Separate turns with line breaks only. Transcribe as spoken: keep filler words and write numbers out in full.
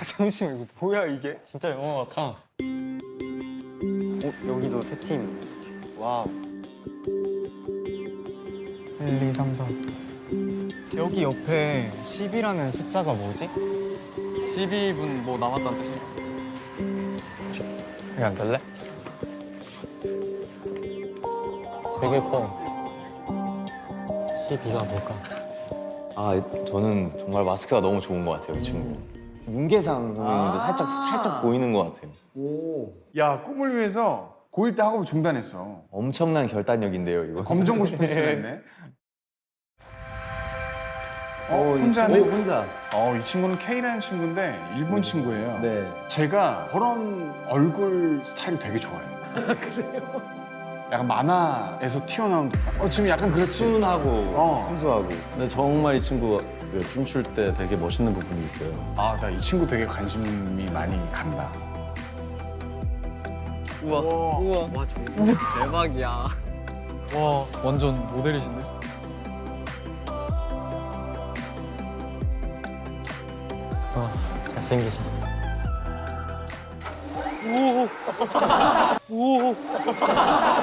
잠시만 이거 뭐야 이게?
진짜 영화 같아.
어 여기도 세 팀. 와우. 일, 이, 삼, 사. 여기 옆에 십이라는 숫자가 뭐지?
십이 분 뭐 남았다는 뜻이야.
여기 앉을래?
되게 커. 십이가 뭘까?
아, 저는 정말 마스크가 너무 좋은 것 같아요, 이 친구. 윤계상 선배님 이제 살짝 살짝 보이는 것 같아요.
야, 꿈을 위해서 고일 때 학업을 중단했어.
엄청난 결단력인데요, 이거.
검정고 싶을 수도 있네. 어, 혼자네.
혼자.
어, 이 친구는 K라는 친구인데 일본 친구예요.
네.
제가 그런 얼굴 스타일을 되게 좋아해요. 그래요? 약간 만화에서 튀어나온 듯한. 어, 지금 약간 그렇지.
순하고
어.
순수하고.
근데 정말 이 친구가 그 춤출 때 되게 멋있는 부분이 있어요.
아, 나 이 친구 되게 관심이 많이 간다.
우와. 우와. 와, 저거 대박이야. 와, 완전 모델이신데?
어, 잘생기셨어.
오. 오.